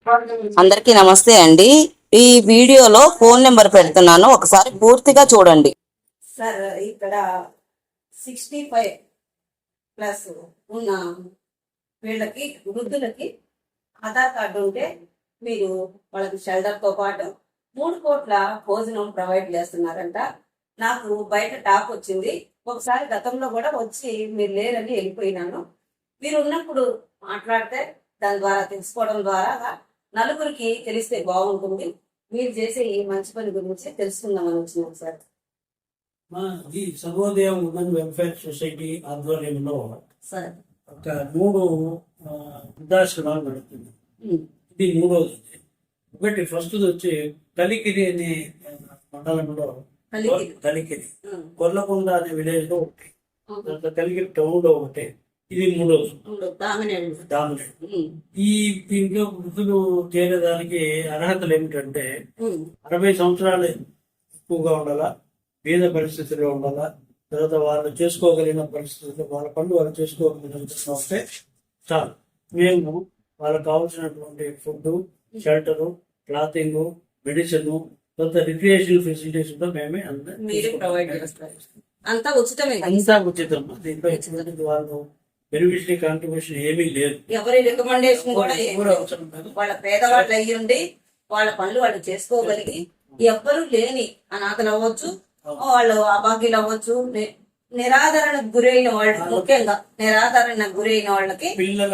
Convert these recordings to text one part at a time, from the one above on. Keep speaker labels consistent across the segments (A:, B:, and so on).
A: అందరికీ నమస్తే అండి. ఈ వీడియోలో ఫోన్ నెంబర్ పెడుతున్నాను, ఒకసారి పూర్తిగా చూడండి.
B: సార్ ఇక్కడ 65+ ఉన్న వీళ్ళకి వృద్ధులకి ఆధార్ కార్డు ఉంటే మీరు వాళ్ళకి షెల్టర్తో పాటు 3 కోట్ల భోజనం ప్రొవైడ్ చేస్తున్నారంట. నాకు బయట టాక్ వచ్చింది, ఒకసారి గతంలో కూడా వచ్చి మీరు లేరని వెళ్ళిపోయినాను. మీరు ఉన్నప్పుడు మాట్లాడితే దాని ద్వారా తెలుసుకోవడం ద్వారా నలుగురికి తెలిస్తే బాగుంటుంది. మీరు చేసే ఈ మంచి పని గురించి తెలుసుకుందామని వచ్చినాం సార్.
C: ఈ సర్వోదయం ఉమెన్ వెల్ఫేర్ సొసైటీ ఆధ్వర్యంలో
B: సార్
C: ఒక 3 వృద్ధాశ్రమాలు నడుస్తుంది. ఇది 3వది. ఒకటి ఫస్ట్ వచ్చి కలికిరి అనే మండలంలో కలికిరి, కొల్లకొండ అనే విలేజ్ లో ఒకటి, కలికిరి టౌన్ లో ఒకటి, ఇది 3వది దామినేడు. ఈ దీంట్లో వృద్ధులు చేరేదానికి అర్హతలు ఏమిటంటే 60 సంవత్సరాలు ఎక్కువగా ఉండాలా, పేద పరిస్థితుల్లో ఉండాలా, తర్వాత వాళ్ళు చేసుకోగలిగిన పరిస్థితుల్లో వాళ్ళ పనులు వాళ్ళు చేసుకోగలిగిన విధంగా ఉంటే చాలు. మేము వాళ్ళకి కావాల్సినటువంటి ఫుడ్, షెల్టరు, క్లాతింగ్, మెడిసిన్, తర్వాత రిక్రియేషన్ ఫెసిలిటీస్ కూడా మేమే
B: అంతా ఉచితమే.
C: అంతా ఉచితం. దీంట్లో ఎటువంటి వాళ్ళు బెనిఫిషరీ కాంట్రిబ్యూషన్ ఏమీ లేదు,
B: ఎవరి రికమెండేషన్ కూడా అవసరం లేదు. వాళ్ళ పేదవాళ్ళు అయ్యుండి వాళ్ళ పనులు వాళ్ళు చేసుకోగలిగి, ఎవ్వరూ లేని అనాథలు అవ్వచ్చు, వాళ్ళు అభాగ్యులు అవ్వచ్చు, నిరాదరణకు గురైన వాళ్ళు, ముఖ్యంగా నిరాదరణకు గురైన వాళ్ళకి,
C: పిల్లల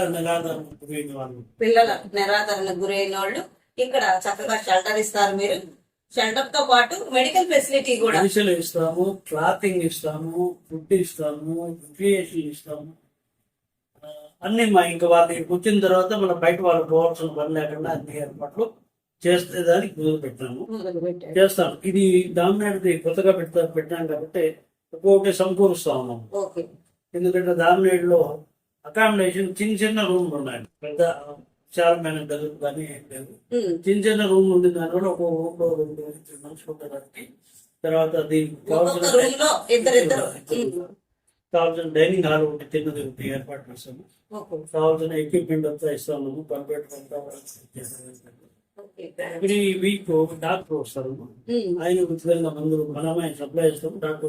B: నిరాదరణకు గురైన వాళ్ళు ఇక్కడ చక్కగా షెల్టర్ ఇస్తారు. మీరు షెల్టర్ తో పాటు మెడికల్ ఫెసిలిటీ కూడా
C: ఇస్తాము, క్లాతింగ్ ఇస్తాము, ఫుడ్ ఇస్తాము, రిక్రియేషన్ ఇస్తాము, అన్ని ఇంకా వాళ్ళకి వచ్చిన తర్వాత మన బయట వాళ్ళు పోవాల్సిన పని లేకుండా అన్ని ఏర్పాట్లు చేస్తే దానికి మొదలు పెట్టాము, చేస్తాం. ఇది దామినేడుది కొత్తగా పెట్టాం కాబట్టి ఒక్కొక్కటి సమకూరుస్తా ఉన్నాం. ఎందుకంటే దామినేడులో అకామిడేషన్ చిన్న రూమ్లు ఉన్నాయి, పెద్ద విశాలమైన గదులు కానీ ఏం లేదు. చిన్న రూమ్ ఉంది, దానివల్ల ఒక రూమ్ లో 2 మనుషులు ఉండడానికి, తర్వాత దీనికి కావాల్సిన డైనింగ్ హాల్ ఒకటి, తిన్నది ఒకటి ఏర్పాటు చేస్తాము. కావాల్సిన ఎక్విప్మెంట్ అంతా ఇస్తాము, కంప్యూటర్ అంతా. ఎవ్రీ వీక్ ఒక డాక్టర్ వస్తారు, ఆయన ఉచితంగా మందులు మనమే సప్లై చేస్తాము. డాక్టర్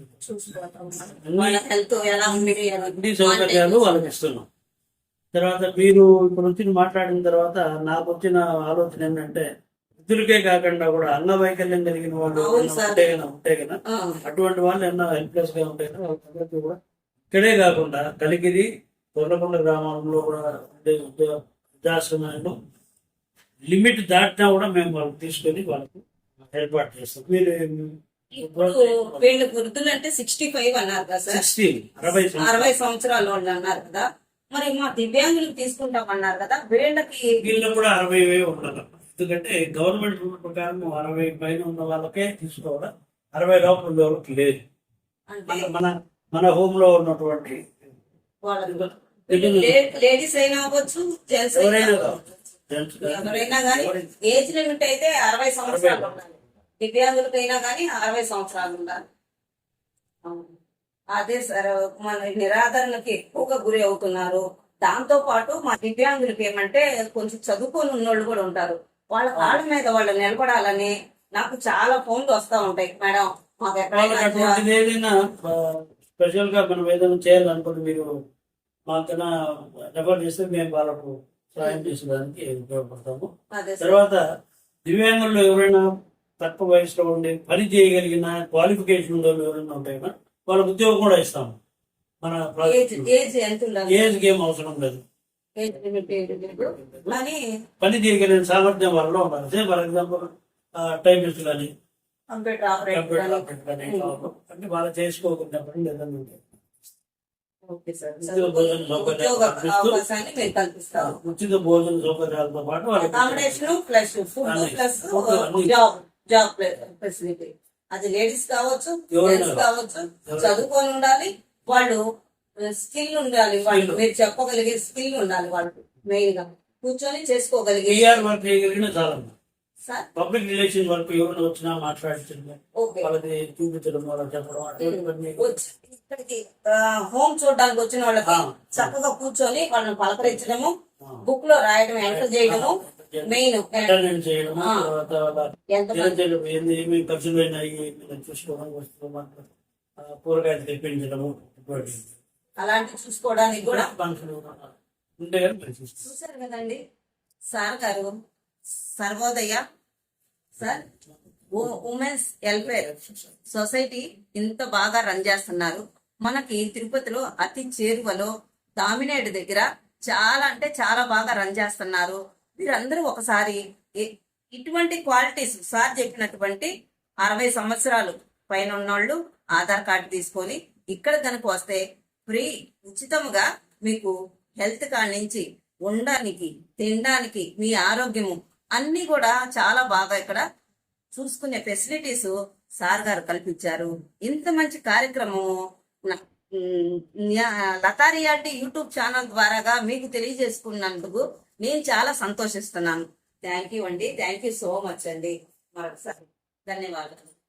C: అన్ని సౌకర్యాలు వాళ్ళకి ఇస్తున్నాం. తర్వాత మీరు ఇప్పుడు వచ్చి మాట్లాడిన తర్వాత నాకు వచ్చిన ఆలోచన ఏంటంటే, వృద్ధులకే కాకుండా కూడా అంగవైకల్యం కలిగిన వాళ్ళు ఉంటే కదా అటువంటి వాళ్ళు ఎన్నో హెల్ప్లెస్ గా ఉంటాయి కదా, వాళ్ళందరికీ కూడా ఇక్కడే కాకుండా కలికిరి, కొల్లకొండ గ్రామాల్లో కూడా ఉండే వృద్ధాశ్రమాల్లో లిమిట్ దాటినా కూడా మేము వాళ్ళకి తీసుకొని వాళ్ళకి ఏర్పాటు చేస్తాం. మీరు
B: వీళ్ళు వృద్ధులు అంటే 65 అన్నారు కదా సార్, 60 సంవత్సరాల వాళ్ళు అన్నారు కదా, మరి మా దివ్యాంగులకు తీసుకుంటామన్నారు కదా, వీళ్ళు
C: కూడా 60 ఉండాలి. ఎందుకంటే గవర్నమెంట్ రూల్ ప్రకారం 60 పైన ఉన్న వాళ్ళకే తీసుకోవాలి, 60 లోపల ఉన్న వాళ్ళకి లేదు. మన హోమ్ లో ఉన్నటువంటి
B: లేడీస్ అయినా అవ్వచ్చు, జెంట్స్ ఎవరైనా కానీ ఏజ్ లిమిట్ అయితే 60 సంవత్సరాలు ఉండాలి. దివ్యాంగులకైనా కానీ 60 సంవత్సరాలు ఉండాలి. అదే సార్, మన నిరాదరణకి ఎక్కువగా గురి అవుతున్నారు. దాంతో పాటు మా దివ్యాంగులకి ఏమంటే కొంచెం చదువుకొని ఉన్నోళ్ళు కూడా ఉంటారు. వాళ్ళ కాళ్ళ మీద వాళ్ళు నిలబడాలని నాకు చాలా ఫోన్లు వస్తా ఉంటాయి. మేడం మాకు
C: ఎక్కడైనా స్పెషల్ గా మనం ఏదైనా చేయాలనుకుంటే మీరు మాకైనా రెఫర్ చేస్తే మేము వాళ్ళకు సాయం చేసేదానికి ఉపయోగపడతాము. తర్వాత దివ్యాంగుల్లో ఎవరైనా తక్కువ వయసులో ఉండి పని చేయగలిగిన క్వాలిఫికేషన్ ఉన్న ఎవరైనా ఉంటాయినా వాళ్ళకి ఉద్యోగం కూడా ఇస్తాము. మన ఏజ్ ఏం అవసరం లేదు, పని చేయగలిగిన సామర్థ్యం వాళ్ళలో ఉండాలి. ఫర్ ఎగ్జాంపుల్ టైపిస్ట్ కానీ, కంప్యూటర్ ఆపరేటర్ కానీ అంటే వాళ్ళు చేసుకోకుండా పని లేదని ఉంటాయి. ఉచిత భోజన సౌకర్యాలతో పాటు
B: జాబ్ ఫెసిలిటీ, అది లేడీస్ కావచ్చు, జెంట్స్ కావచ్చు, చదువుకొని ఉండాలి, వాళ్ళు స్కిల్ ఉండాలి, వాళ్ళు మీరు చెప్పగలిగే స్కిల్ ఉండాలి, వాళ్ళు మెయిన్ గా కూర్చొని చేసుకోగలిగే
C: పబ్లిక్ రిలేషన్ వర్క్ ఎవరైనా వచ్చినా మాట్లాడించడం, వాళ్ళకి చూపించడం, వాళ్ళకి చెప్పడం,
B: ఇక్కడికి హోమ్ చూడడానికి వచ్చిన వాళ్ళకి చక్కగా కూర్చొని వాళ్ళని పలకరించడము, బుక్ లో రాయడం, ఎంటర్ చేయడము, మెయిన్
C: అటెండెన్స్ చేయడం,
B: ఆ.
C: తర్వాత వాళ్ళ
B: ఎంత
C: దినచర్య ఏంది, ఏమి ఖర్చులు అయినాయి ఏమి చూసుకోవడం, వస్తువులు కూరగాయలు తెప్పించడము, ఇటువంటి
B: అలాంటివి చూసుకోవడానికి కూడా
C: మనుషులు ఉంటే కానీ మంచిది.
B: చూశారు కదండి సార్ గారు Sarvodaya sir women's welfare society ఇంత బాగా రన్ చేస్తున్నారు. మనకి తిరుపతిలో అతి చేరువలో దామినేడు దగ్గర చాలా అంటే చాలా బాగా రన్ చేస్తున్నారు. మీరందరూ ఒకసారి ఇటువంటి క్వాలిటీస్ సార్ చెప్పినటువంటి 60 సంవత్సరాలు పైన ఉన్నోళ్ళు ఆధార్ కార్డు తీసుకొని ఇక్కడ కనుక వస్తే ఫ్రీ ఉచితముగా మీకు హెల్త్ కార్డ్ నుంచి ఉండడానికి, తినడానికి, మీ ఆరోగ్యము అన్ని కూడా చాలా బాగా ఇక్కడ చూసుకునే ఫెసిలిటీస్ సార్ గారు కల్పించారు. ఇంత మంచి కార్యక్రమము లతా రియాలిటీ యూట్యూబ్ ఛానల్ ద్వారాగా మీకు తెలియజేసుకున్నందుకు నేను చాలా సంతోషిస్తున్నాను. థ్యాంక్ యూ అండి. థ్యాంక్ యూ సో మచ్ అండి. మరొకసారి ధన్యవాదాలు.